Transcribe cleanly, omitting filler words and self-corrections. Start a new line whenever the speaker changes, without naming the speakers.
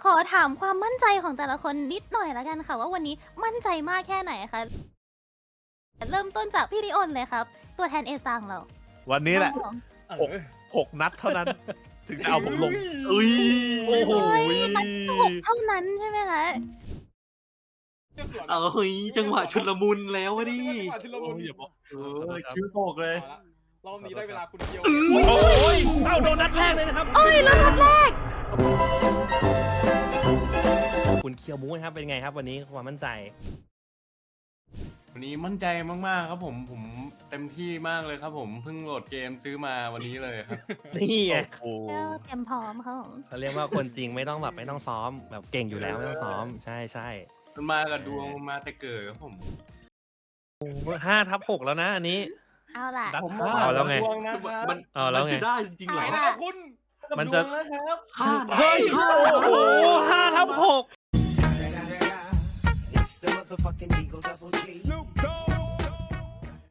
อถามความมั่นใจของแต่ละคนนิดหน่อยแล้วกันค่ะว่าวันนี้มั่นใจมากแค่ไหนคะเริ่มต้นจากพี่ริออนเลยครับ ตัวแทนเอซังเรา
วันนี้แหละ 6 นัดเท่านั้น ถึงจะเอาผมลงอุ้ย
โอ้โห
นัดที่6เท่านั้นใช่ไหมคะ
เฮ้ยจังหวะชุลมุนแล้ววะดิ
จังหวะชุลมุน
อย่าบอก
ชื่อโปกเลย
รอบนี้ได้เวลาคุณเกียว
โอ้ยเอ้าโดนนัดแรกเลยนะครับ
เอ้ยแล้วนัดแรก
คุณเคียวมูนะครับเป็นไงครับวันนี้ความมั่นใจ
วันนี้มั่นใจมากๆครับผมเต็มที่มากเลยครับผมเพิ่งโหลดเกมซื้อมาวันนี้เลยครับ
นี่ไง
โอ้โห
เตรียมพร้อมค่ะผม
เขาเรียกว่าคนจริงไม่ต้องซ้อมแบบเก่งอยู่แล้วไม่ต้องซ้อมใช่ใช่
มันมากับดวงมาแต่เกิดครับผม
5/6แล้วนะอันนี้
เอาล่ะ
นัด
ผม
ห้า
เอาแล้วไง
ดวงนะครับ
มัน
เอาแล้วไง
จะได้จริงๆเหรอ
ไปนะคุณ
มันจะ
ดวงนะครับ
เฮ้ยโอ้โห5/6
It's the motherfucking Eagle Double G.